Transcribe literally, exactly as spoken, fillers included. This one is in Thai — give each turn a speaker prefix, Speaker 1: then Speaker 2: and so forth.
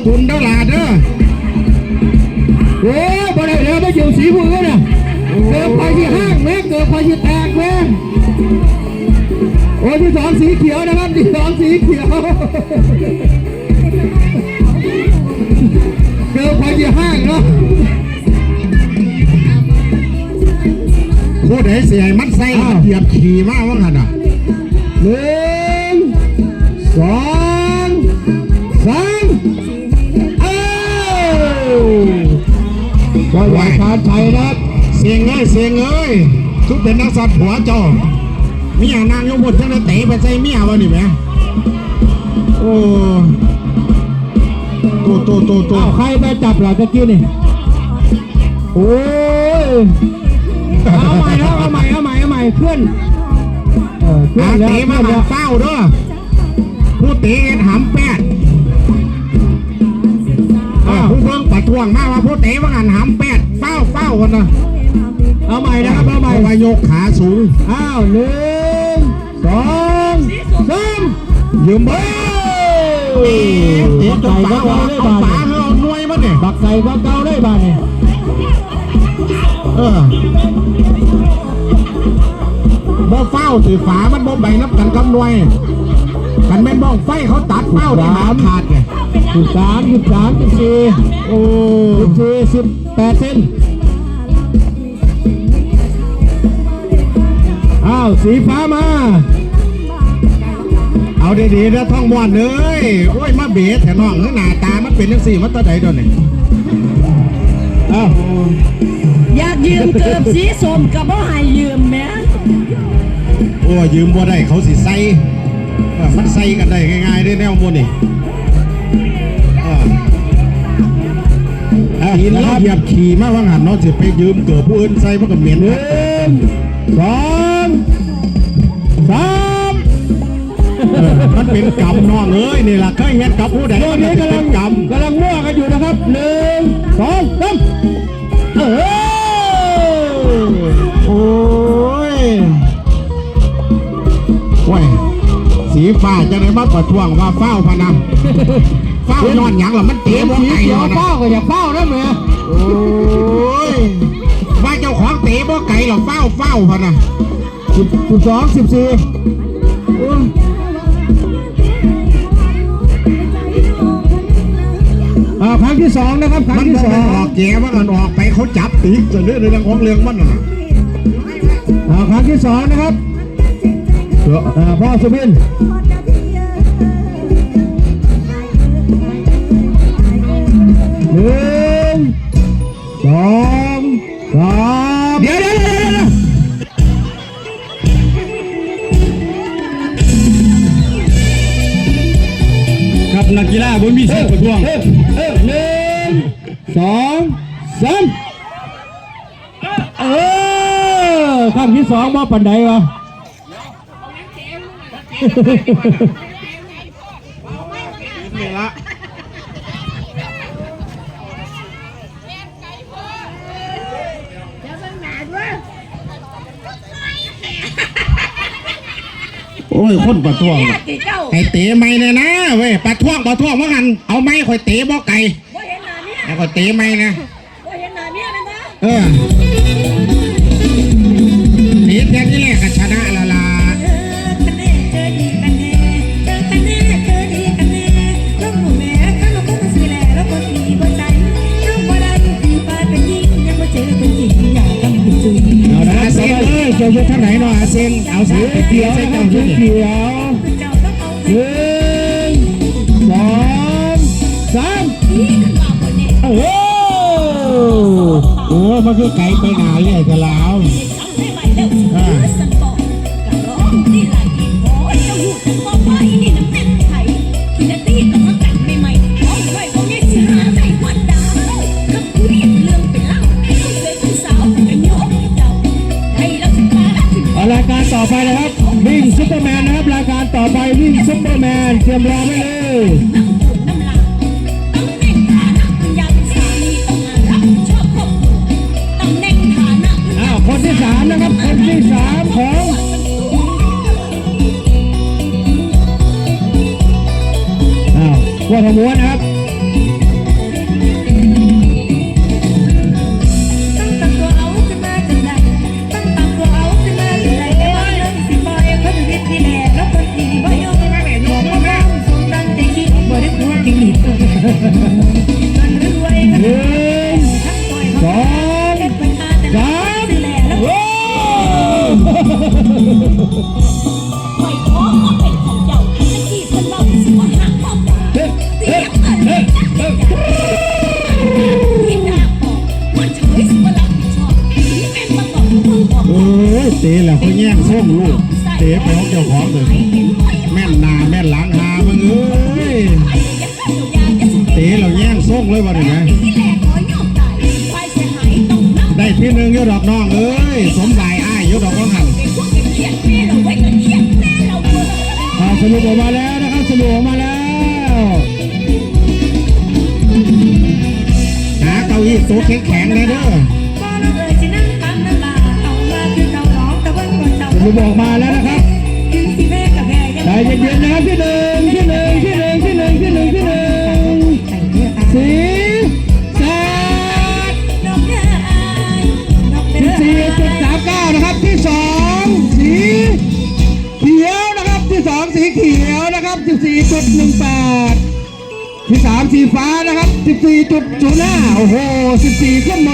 Speaker 1: ตุนเด้อหลาเด้อโอ้บ่ได้เด้อไม่อยู่สีมือน่ะเกิดไฟที่ห้างแม่เกิดไฟที่แตกแม่โอ้ที่สองสีเขียวนะครับที่สองสีเขียวเกิดไฟที่ห้างเนาะพูดให้เสียมันใส่เหยียบขี่มากว่างันอ่ะหนึ่งสองสามเอ้าก็ไหวการไทยนะเสียงเอ้ยเสียงเอ้ยทุกเป็นนักสัตว์หัวจอมีอย่างนางยกบทจังเลยเตะไปใส่เมียวะนี่แม่โอ้โตโตโตโตใครไปจับหรอตะกี้นี่โอ้ยเอาใหม่แล้วเอาใหม่เอาใหม่เอาใหม่เพื่อนเออเตะมาเฝ้าด้วยผู้เตะหำแปดผู้เพิ่งปัดทวงมาว่าผู้เตะว่างันหำแปดเฝ้าเฝ้ากันนะเอาใหม่นะครับเอาใหม่วายกขาสูงอ้าวหนึ่งสองสามยืมเบ้เตะจนฝาเอาฝาเขาหน่วยมันเนี่ยบักใส่บักเกาได้บ้านเนี่ยเออบ่เฝ้าถือฝามันบ่ใบนับกันกำนวยกันแม่นบ้องไฟเขาตัดเฝ้าได้มาขาดไงสิบสามสิบสามสิบสี่โอ้สิบสี่สิบแปดเซนอ้าวสีฟ้ามาเอาดีๆนะท่องมวนเลยโอ้ยมาเบียดแถวน้องหน้าตามันเป็นยังสี่มันตาใดโดนเนี่ยอ้าว
Speaker 2: อยากยืมเกือบสีส้มกับบ่ให้ยืมแม่
Speaker 1: โอ้ยืมบ่ได้เขาสิใส่มันใส่กันได้ง่ายๆได้แนวโมนี่หินแล้วเหยียบขี่มาว่างหันน้องจะไปยืมเกือบผู้อื่นใส่มันก็เหม็นหนึ่งสองสามมันเป็นกรรมน้องเอ้ยนี่แหละเคยเห็นกับผู้ใดมันเป็นกรรมกำลังมั่วกันอยู่นะครับหนึ่งสองสามเออโอ้ยโอ้ยสีฟ้าจะได้มาประท้วงว่าเฝ้าพนันเฝ้านอนหยังหรอมันเตะบ่ไก่นะเฝ้าก็อย่าเฝ้านะเมียโอ้ยว่าเจ้าของเตะบ่ไก่หรอเฝ้าเฝ้าพนันสิบสิบสองสิบสี่ครั้งที่สองนะครับครั้งที่สองออกแก่ว่ากันออกไปเขาจับตีจะเรื่องเรื่องของเรื่องมันน่ะครั้งที่สองนะครับพ่อสุบินหนึ่งสองสามเดี๋ยวเดี๋ยวเดี๋ยวครับนักกีฬาบนมีเส้นประท้วงหนึ่งสองสามเออครั้งที่สองมาปันใดวะนี่ละโอ้ยคนประท้วงไอ้เตะไม่เนี่ยนะเว้ยประท้วงประท้วงว่ากันเอาไม้คอยเตะบ่ไก่แล้วก็เตะไม่นะเออเตะแค่นี้แหละก็ชนะละละเอาละเซ็งเอ้ยจะยกท่าไหนหน่อยเซ็งเอาสีเขียวเซ็งเอาสีเขียวหนึ่งสองสามโอ้โหโอ้มันคือไก่ไปไหนเนี่ยจะลาวรายการต่อไปนะครับวิ่งซุปเปอร์แมนนะครับรายการต่อไปวิ่งซุปเปอร์แมนเตรียมรอไว้เลยอ้าวคนที่สามนะครับคนที่สามของอ้าววัวทม้วนนะครับลูกเตะไปของเจ้าของเลยแม่นหนาแม่นหลังหามึงเอ้ยเตะเราแย่งส่งเลยวันนี้ไงได้ที่หนึ่งยอดอกน้องเอ้ยสมหลายอ้ายยอดอกน้องหันอ่าสรุปออกมาแล้วนะครับสรุปออกมาแล้วหาเก้าอี้โต๊ะแข็งๆเลยเด้อสรุปออกมาแล้วนะครับใจเย็นๆนะครับที่หนึ่งที่หนึ่งที่หนึ่งที่หนึ่งที่หนึ่งที่หนึ่งสีแสดสิบสี่จุดสามเก้านะครับที่สองสีเขียวนะครับที่สองสีเขียวนะครับสิบสี่จุดหนึ่งแปดที่สามสีฟ้านะครับสิบสี่จุดศูนย์ห้าโอ้โหสิบสี่ขึ้นมา